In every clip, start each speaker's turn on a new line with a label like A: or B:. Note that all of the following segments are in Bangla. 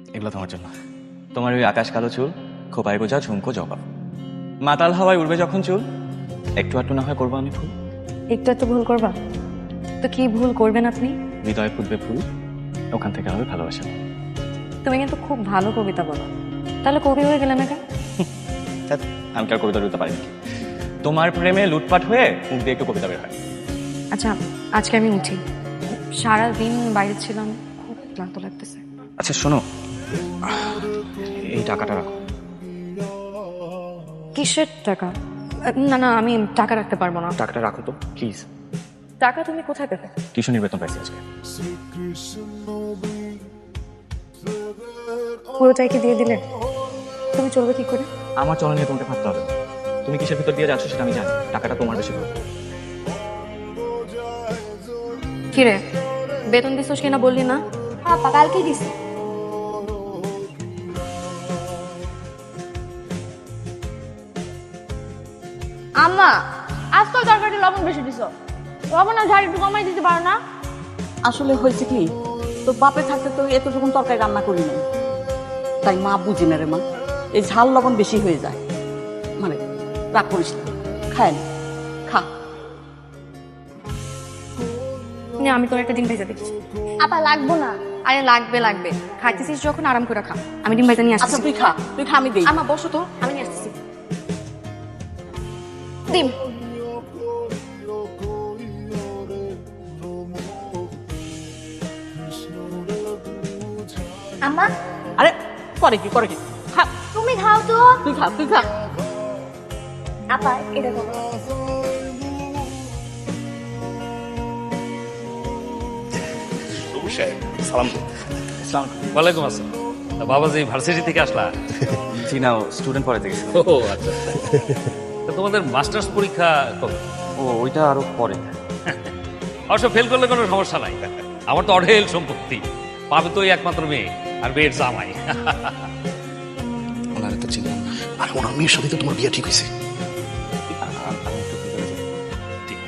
A: এগুলো তোমার জন্য। তোমার ওই আকাশ কালো চুল, খোপায় গোজা ঝুমকো জবা, মাতাল হাওয়ায় উড়বে যখন চুল, একটু আটটু না হয় করবো আমি ফুল।
B: একটু একটু ভুল করবা তো কি ভুল করবেন আপনি?
A: হৃদয়ে ফুটবে ফুল, ওখান থেকে হবে ভালোবাসা।
B: তুমি কিন্তু খুব ভালো কবিতা বলো, তাহলে কবি হয়ে গেলে না কেন?
A: ধ্যাৎ, আমি কি আর কবিতা লিখতে পারি নাকি? তোমার প্রেমে লুটপাট হয়ে মুখ দিয়ে একটু কবিতা বের হয়।
B: আচ্ছা, আজকে আমি উঠি, সারা দিন বাইরে ছিলাম, খুব ক্লান্ত লাগতেছে।
A: আচ্ছা শোনো, এই টাকাটা রাখো।
B: কিসের টাকা? না না, আমি টাকা রাখতে পারবো না।
A: টাকাটা রাখো তো প্লিজ।
B: টাকা তুমি কোথায় পেতে?
A: টিউশনির বেতন পাইছি আজকে।
B: পুরোটাই কি দিয়ে দিলে? তুমি চলবে কি করে?
A: আমার চলন নিয়ে তোমাকে ভাবতে হবে না। তুমি কিসের ভিতর দিয়ে যাচ্ছ সেটা আমি জানি। টাকাটা তোমার বেশি ভালো।
B: কিরে, বেতন দিছিস কিনা বললি না?
C: হ্যাঁ পা, কালকেই দিছি। আম্মা, আজকাল তরকারি লবণ বেশি দিছ, লবণ আর ঝাল একটু কমাই দিতে পারো না?
D: আসলে হয়েছে কি, তো বাপে থাকতে তো এতটুকুন তরকারি রান্না করি নাই, তাই মা বুঝি না রে মা, এই ঝাল লবণ বেশি হয়ে যায়। মানে রাগ করিস না, খায় না, খা।
B: না, আমি তোর একটা ডিম ভেজে দিচ্ছি।
C: আপা লাগবো না।
B: আরে লাগবে লাগবে, খাইতেছিস যখন আরাম করে খা। আমি ডিম ভেজে নিয়ে
D: আচ্ছা
B: আসছি।
D: তুই খা, তুই খা, আমি দিই।
B: আমা বসো তো, আমি নিয়ে আসতেছি
C: ডিম। আম্মা,
D: আরে করে কি করে কি, খা,
C: তুমি খাও তো।
D: তুই খা, তুই খা।
C: আপা এটা করো।
A: সালাম।
E: ওয়ালাইকুম আসসালাম। তা বাবাজি ভার্সিটি থেকে আসলা?
A: জি না, স্টুডেন্ট পড়াতে গেছি।
E: ও আচ্ছা। তা তোমাদের মাস্টার্স পরীক্ষা কবে?
A: ও ওইটা আরো পরে।
E: অবশ্য ফেল করলে কোনো সমস্যা নাই, আমার তো অঢেল সম্পত্তি, পাবে তো ওই একমাত্র মেয়ে আর মেয়ের জামাই।
A: ওনারা তো চিনলাম না।
F: আর ওনার মেয়ের সাথে তো তোমার বিয়ে ঠিক হয়েছে।
A: আমি একটু ভিতরে যাই।
E: ঠিক।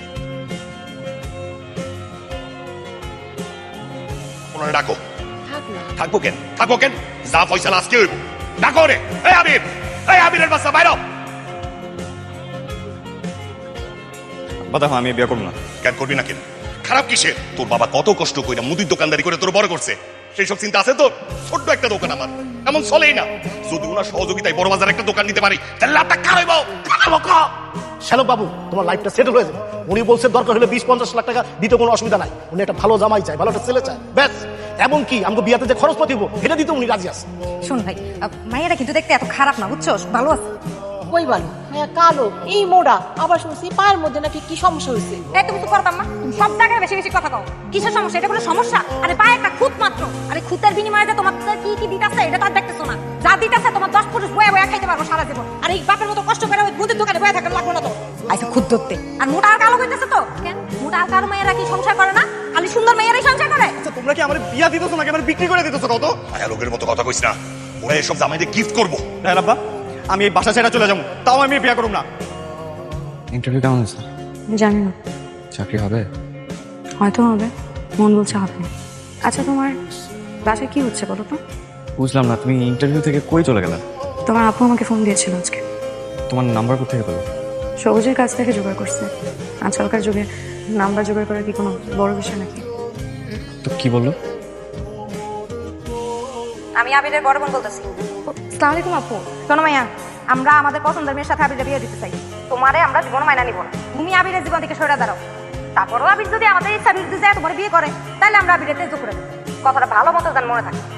F: ওনারা ডাকো।
B: থাক না।
F: থাকবো কেন, থাকবো কেন, যা ফয়সালা আজকে হইব। ডাকো রে, এই আবির, এই আবিরের বাচ্চা বাইরো।
A: বা দেখো, আমি বিয়ে করবো না।
F: কেন করবি না কেন? খারাপ কিসে? তোর বাবা কত কষ্ট কইরা মুদির দোকানদারি করে তোর বড় করছে, সেই সব চিন্তা আছে তোর? ছোট্ট একটা দোকান আমার, এমন চলেই না। যদি ওনার সহযোগিতায় বড় বাজার একটা দোকান নিতে পারি, তাহলে লাভটা কার হইব?
G: শ্যালক বাবু, তোমার লাইফটা সেটেল হয়ে যাবে। উনি বলছে দরকার হলে 20-50 লাখ টাকা দিতে কোনো অসুবিধা নাই। উনি একটা ভালো জামাই চায়, ভালো একটা ছেলে চায়, ব্যাস। এমন কি আমাকে বিয়াতে যে খরচপাতি হবো এটা দিতে উনি রাজি আছে।
B: শোন ভাই, মাইয়ারা কিন্তু দেখতে এত খারাপ না, বুঝছোস? ভালো আছে।
D: কই বালো, হ্যাঁ কালো, এই মোড়া, আবার শুনছি পায়ের মধ্যে নাকি কি সমস্যা হয়েছে।
B: এই তুমি তো করতাম না, তুমি সব জায়গায় বেশি বেশি কথা কও। কিসের সমস্যা? এটা কোনো সমস্যা? আরে পায়ে একটা খুঁত মাত্র, আরে খুঁতের বিনিময়ে যে তোমার কি কি দিতাছে এটা তো আর দেখতেছো না। যা দিতাছে তোমার 10 পুরুষ বয়ে বয়ে খাইতে পারবো সারা জীবন। আর এই বাপের মতো কষ্ট করে ওই মুদির দোকানে বয়ে থাকার লাগবে না তো। আইসা খুদ ধরতে আর মোটা আর কালো কইতেছে তো কেন? মোটা আর কালো মেয়েরা কি সংসার করে না? খালি সুন্দর মেয়েরাই সংসার করে।
G: আচ্ছা তোমরা কি আমার বিয়া দিতেছো নাকি আমার বিক্রি করে দিতেছো কত?
F: আয়া লোকের মতো কথা কইস না, ওরা এসব জামাইদের গিফট করবো।
G: হ্যাঁ আব্বা, আমি এই বাসা ছেড়ে চলে যাবো, তাও আমি বিয়া করব না।
A: ইন্টারভিউ কেমন হয়েছে?
B: জানি না,
A: চাকরি হবে?
B: হয়তো হবে, মন বলছে হবে। আচ্ছা তোমার বাসায় কি হচ্ছে বলো তো?
A: বুঝলাম না, তুমি ইন্টারভিউ থেকে কই চলে গেলে?
B: তোমার আপু আমাকে ফোন দিয়েছিল আজকে।
A: তোমার নাম্বার কোথেকে পেলো?
B: সবুজের কাছ থেকে জোগাড় করছে। আজকালকার যুগে নাম্বার জোগাড় করা কি কোনো বড় বিষয় নাকি?
A: তো কি বললো?
B: আমি আবিরের বড় বোন বলতেছি। আসসালামু আলাইকুম আপু। শোনো মাইয়া, আমরা আমাদের পছন্দের মেয়ের সাথে আবিরের বিয়ে দিতে চাই। তোমারে আমরা জীবন মাইনা নিব না। তুমি আবিরের জীবন থেকে সরে দাঁড়াও। তারপরও আবির যদি আমাদের ইচ্ছা বিরুদ্ধে যায় তোমার বিয়ে করে, তাহলে আমরা আবিরের তেজ করে দেবো। কথাটা ভালো মতো যেন মনে থাকে।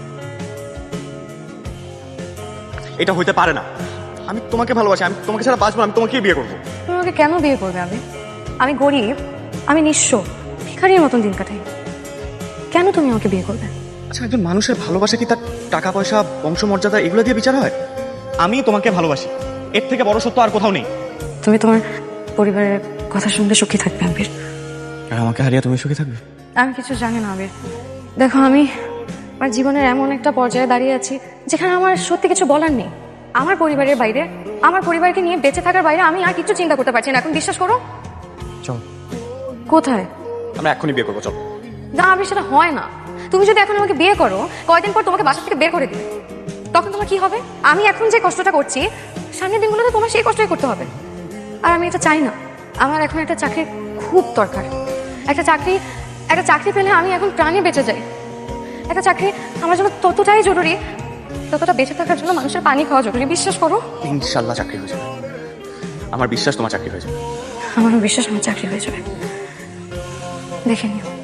G: এটা হইতে পারে না। আমি তোমাকে ভালোবাসি, আমি তোমাকে ছাড়া বাঁচবো না, আমি তোমাকেই বিয়ে করবো।
B: তুমি আমাকে কেন বিয়ে করবে আবির? আমি গরিব, আমি নিঃস্ব, ভিখারির মতন দিন কাটাই। কেন তুমি আমাকে বিয়ে করবে?
G: আচ্ছা একজন মানুষের ভালোবাসা কি তার টাকা পয়সা বংশমর্যাদা এগুলো দিয়ে বিচার হয়? আমি তোমাকে ভালোবাসি, এর থেকে বড় সত্য আর কোথাও নেই।
B: তুমি তোমার পরিবারের কথা শুনলে সুখী থাকবে আবির।
A: আর আমাকে হারিয়ে তুমি সুখী থাকবে?
B: আমি কিছু জানি না আবির। দেখো, আমি আমার জীবনের এমন একটা পর্যায়ে দাঁড়িয়ে আছি যেখানে আমার সত্যি কিছু বলার নেই। আমার পরিবারের বাইরে, আমার পরিবারকে নিয়ে বেঁচে থাকার বাইরে আমি আর কিছু চিন্তা করতে পারছি না। এখন বিশ্বাস করো।
A: চল।
B: কোথায়?
G: আমরা এখনই বিয়ে করবো, চল।
B: না আবির, সেটা হয় না। তুমি যদি এখন আমাকে বিয়ে করো, কয়দিন পর তোমাকে বাসা থেকে বের করে দিবে, তখন তোমার কি হবে? আমি এখন যে কষ্টটা করছি, সামনের দিনগুলোতে তোমার সেই কষ্টই করতে হবে। আর আমি এটা চাই না। আমার এখন একটা চাকরির খুব দরকার। একটা চাকরি পেলে আমি এখন প্রাণে বেঁচে যাই। একটা চাকরি আমার জন্য ততটাই জরুরি, ততটা বেঁচে থাকার জন্য মানুষের পানি খাওয়া জরুরি। বিশ্বাস করো।
A: ইনশাল্লাহ চাকরি হয়ে যাবে, আমার বিশ্বাস তোমার চাকরি হয়ে যাবে।
B: আমারও বিশ্বাস আমার চাকরি হয়ে যাবে, দেখে নিও।